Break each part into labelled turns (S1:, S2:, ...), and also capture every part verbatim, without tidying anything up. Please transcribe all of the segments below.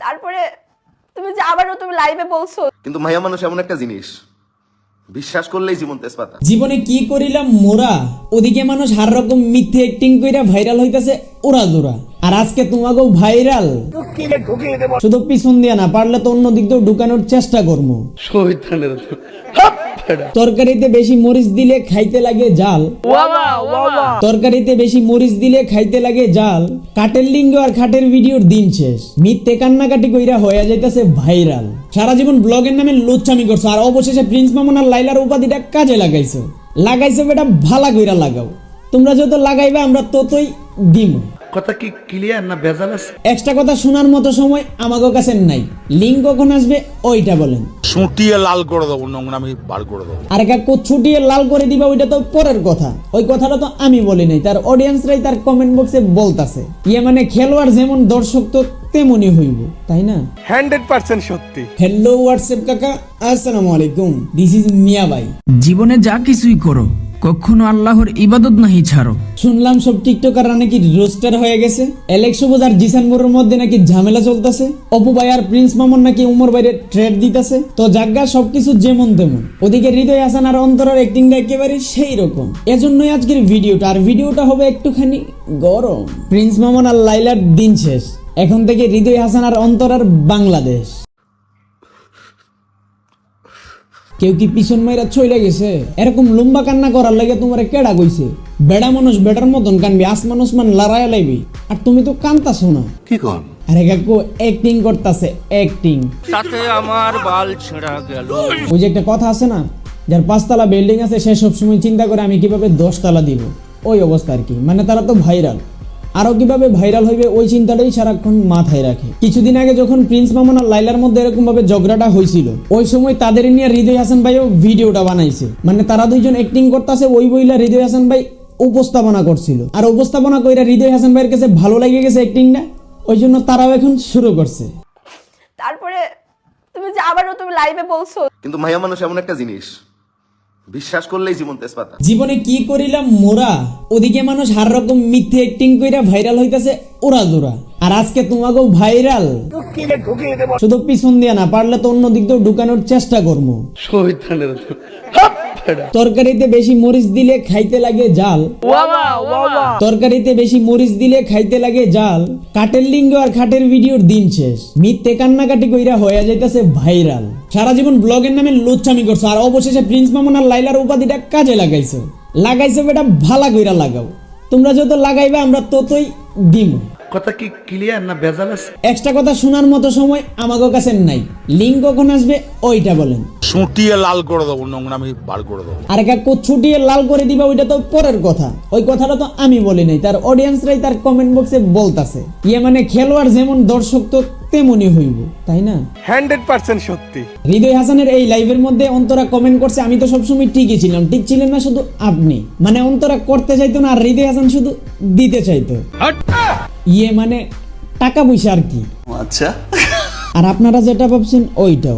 S1: তারপরে তুমি যে আবারও তুমি লাইভে বলছো,
S2: কিন্তু মাইয়া মানুষ এমন একটা জিনিস, বিশ্বাস করলেই জীবন তেজপাতা।
S3: জীবনে কি করিলাম মোরা, ওদিকে মানুষ হার রকম মিথ্যে অ্যাক্টিং কইরা ভাইরাল হইতাছে ওরা জোরা, আর আজকে তোমাকেও ভাইরাল শুধু পিছন দিয়া না, পারলে তো অন্য দিক দিয়েও ঢুকানোর চেষ্টা করবো। তরকারিতে বেশি মরিচ দিলে খাইতে লাগে জাল, তরকারিতে বেশি মরিচ দিলে খাইতে লাগে জাল, কাটের লিঙ্গ আর খাটের ভিডিওর দিন শেষ, মিথ্যে কান্নাকাটি কইরা হয়ে যাইতাছে ভাইরাল। সারা জীবন ব্লগের নামে লুচ্ছামি করছো, আর অবশেষে প্রিন্স মামুন আর লাইলার উপাধিটা কাজে লাগাইছো। লাগাইছো বেটা ভালা কইরা লাগাও, তোমরা যত লাগাইবে আমরা ততই দিমু।
S4: কথা কি ক্লিয়ার না ভেজাল আছে?
S3: এক্সট্রা কথা শোনার মতো সময় আমাদের কাছে নাই। লিঙ্ক কখন আসবে ওইটা বলেন।
S5: ছুটিয়ে লাল করে দেবো, নোংরামি বার করে দেবো।
S3: আর কাকু ছুটিয়ে লাল করে দিবা ওইটা তো পরের কথা, ওই কথাটা তো আমি বলি নাই, তার অডিয়েন্সরাই তার কমেন্ট বক্সে বলতাছে। ইয়ে মানে খেলোয়াড় যেমন দর্শক তো তেমনই হইব, তাই না?
S6: হান্ড্রেড পার্সেন্ট সত্যি।
S3: হ্যালো হোয়াটসঅ্যাপ কাকা, আসসালামু আলাইকুম, দিস ইজ মিয়া ভাই।
S7: জীবনে যা কিছুই করো কখনো আল্লাহর ইবাদত নাহি ছাড়ো।
S3: শুনলাম সব টিকটকাররা নাকি রোস্টার হয়ে গেছে, এলেক্স সবুজ আর জিসান মোরের মধ্যে নাকি ঝামেলা চলতেছে, অপু ভাই আর প্রিন্স মামুন নাকি উমর বাইরে ট্রেড দিতেছে। তো জায়গা সবকিছু যেমন তেমন, ওদিকে হৃদয় হাসান আর অন্তরার অ্যাক্টিংটা একেবারে সেই রকম। এজন্যই আজকের ভিডিওটা, আর ভিডিওটা হবে একটুখানি গরম। প্রিন্স মামুন আর লাইলার দিন শেষ, এখন থেকে হৃদয় হাসান আর অন্তরার বাংলাদেশ। কেউ কি পিছন মাইরা চলে গেছে? এরকম লম্বা কান্না করার লাগে তোমার কেডা কইছে? বেড়া মানুষ বেটার মতন কানবি, আসমান ওসমান লড়াইয়া লাইবি, আর তুমি তো কান্তাছো না।
S5: কি কর?
S3: আরে কাকু অ্যাক্টিং করতাছে, অ্যাক্টিং।
S6: তাতে আমার বাল ছেঁড়া গেল।
S3: ওই যে একটা কথা আছে না, যার পাঁচতলা বিল্ডিং আছে সে সবসময় চিন্তা করে আমি কিভাবে দশতলা দিব, ওই অবস্থা আর কি। মানে তারা তো ভাইরাল, আরো কিভাবে ভাইরাল হইবে ওই চিন্তাটাই সারাক্ষণ মাথায় রাখে। কিছুদিন আগে যখন প্রিন্স মামুন আর লাইলার মধ্যে এরকম ভাবে ঝগড়াটা হয়েছিল, ওই সময় তাদের নিয়ে হৃদয় হাসান ভাইও ভিডিওটা বানাইছে। মানে তারা দুইজন অ্যাক্টিং করতেছে, ওই বইলা হৃদয় হাসান ভাই উপস্থাপনা করছিল, আর উপস্থাপনা কইরা হৃদয় হাসান ভাইয়ের কাছে ভালো লেগে গেছে অ্যাক্টিংটা, ওই জন্য তারাও এখন শুরু করছে।
S1: তারপরে তুমি যে আবারও তুমি লাইভে বলছো,
S2: কিন্তু মাইয়া মানুষ এমন একটা জিনিস, বিশ্বাস করলেই জীবন তেজপাতা।
S3: জীবনে কি করিলাম মোরা, ওদিকে মানুষ হার রকম মিথ্যে অ্যাক্টিং কইরা ভাইরাল হইতাছে ওরা জোরা, আর আজকে তোমাকেও ভাইরাল শুধু পিছন দিয়া না, পারলে তো অন্য দিক দিয়েও ঢুকানোর চেষ্টা করবো। তরকারিতে বেশি মরিচ দিলে খাইতে লাগে জাল, তরকারিতে বেশি মরিচ দিলে খাইতে লাগে জাল, কাটের লিঙ্গ আর খাটের ভিডিওর দিন শেষ, মিথ্যে কান্নাকাটি কইরা হয়ে যাইতাছে ভাইরাল। সারা জীবন ব্লগের নামে লুচ্ছামি করছো, আর অবশেষে প্রিন্স মামুন আর লাইলার উপাধিটা কাজে লাগাইছো। লাগাইছো বেটা ভালা কইরা লাগাও, তোমরা যত লাগাইবে আমরা ততই দিমু।
S4: কথা কি ক্লিয়ার না ভেজাল আছে?
S3: এক্সট্রা কথা শোনার মতো সময় আমাদের কাছে নাই। লিঙ্ক কখন আসবে ওইটা বলেন।
S5: ছুটিয়ে লাল করে দেবো, নোংরামি বার করে দেবো।
S3: আর কাকু ছুটিয়ে লাল করে দিবা ওইটা তো পরের কথা, ওই কথাটা তো আমি বলি নাই, তার অডিয়েন্সরাই তার কমেন্ট বক্সে বলতাছে। ইয়ে মানে খেলোয়াড় যেমন দর্শক তো তেমনই হইব, তাই না?
S6: হান্ড্রেড পার্সেন্ট সত্যি।
S3: হৃদয় হাসানের এই লাইভের মধ্যে অন্তরা কমেন্ট করছে, আমি তো সবসময় ঠিকই ছিলাম। ঠিক ছিলেন না শুধু আপনি, মানে অন্তরা করতে চাইতো না, আর হৃদয় হাসান শুধু দিতে চাইতো। ইয়ে মানে টাকা পয়সা আর কি।
S2: আচ্ছা,
S3: আর আপনারা যেটা ভাবছেন ওইটাও।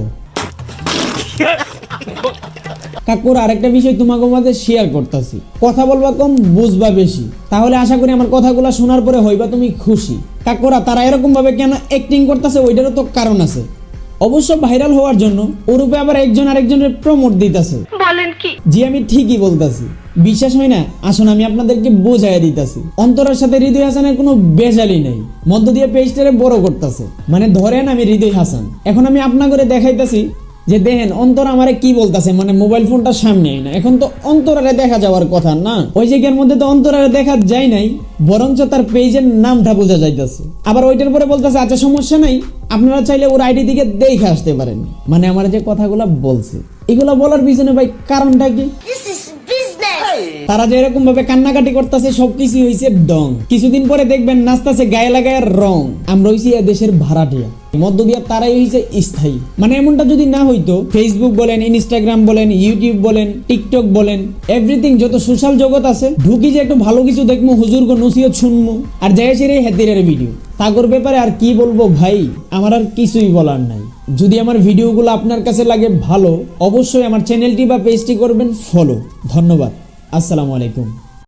S3: কাকুর আরেকটা বিষয় তোমাকে মাঝে শেয়ার করতেছি, কথা বলবা কম বুঝবা বেশি, তাহলে আশা করি আমার কথাগুলো শোনার পরে হইবা তুমি খুশি। কাকুরা তারা এরকম ভাবে কেন অ্যাক্টিং করতেছে ওইটারও তো কারণ আছে। অবশ্য ভাইরাল হওয়ার জন্য ওরূপে আবার একজন আরেকজনের প্রমোট দিতেছে। বলেন কি? জি আমি ঠিকই বলতেছি, বিশ্বাস হয় না? আসুন আমি আপনাদেরকে বোঝাইয়া দিতেছি। অন্তরের সাথে হৃদয় হাসানের কোনো বেজালি নাই, মধ্য দিয়ে পেজটারে বড় করতেছে। মানে ধরেন আমি হৃদয় হাসান, এখন আমি আপনা করে দেখাইতেছি যে দেখেন অন্তর আমারে কি বলতেছে, মানে মোবাইল ফোনটা সামনে আই না, এখন তো অন্তরারে দেখা যাওয়ার কথা না, ওই জায়গার মধ্যে তো অন্তরারে দেখা যায় নাই, বরঞ্চ তার পেজের নামটা বোঝা যাইতেছে। আবার ওইটার পরে বলতেছে আচ্ছা সমস্যা নাই, আপনারা চাইলে ওর আইডি দিকে দেখে আসতে পারেন। মানে আমার যে কথাগুলা বলছে এগুলা বলার পিছনে ভাই কারণটা কি? তারা যে এরকম ভাবে কান্নাকাটি করতেছে সবকিছু হইছে ডং। কিছুদিন পরে দেখবেন নাচতেছে গায়ে লাগায় রং। আমরা হইছি দেশের ভাড়াটিয়া, মধ্য দিয়া তারাই হইছে স্থায়ী। মানে এমনটা যদি না হইতো, ফেসবুক বলেন, ইনস্টাগ্রাম বলেন, ইউটিউব বলেন, টিকটক বলেন, এভরিথিং যত সোশ্যাল জগৎ আছে, ঢুকি যে একটু ভালো কিছু দেখবো, হুজুর গো নসিহত শুনবো, আর যাই সেরে হেতিরের ভিডিও। তাগর ব্যাপারে আর কি বলবো ভাই, আমার আর কিছুই বলার নাই। যদি আমার ভিডিওগুলো আপনার কাছে লাগে ভালো, অবশ্যই আমার চ্যানেলটি বা পেজটি করবেন ফলো। ধন্যবাদ, আসসালামু আলাইকুম।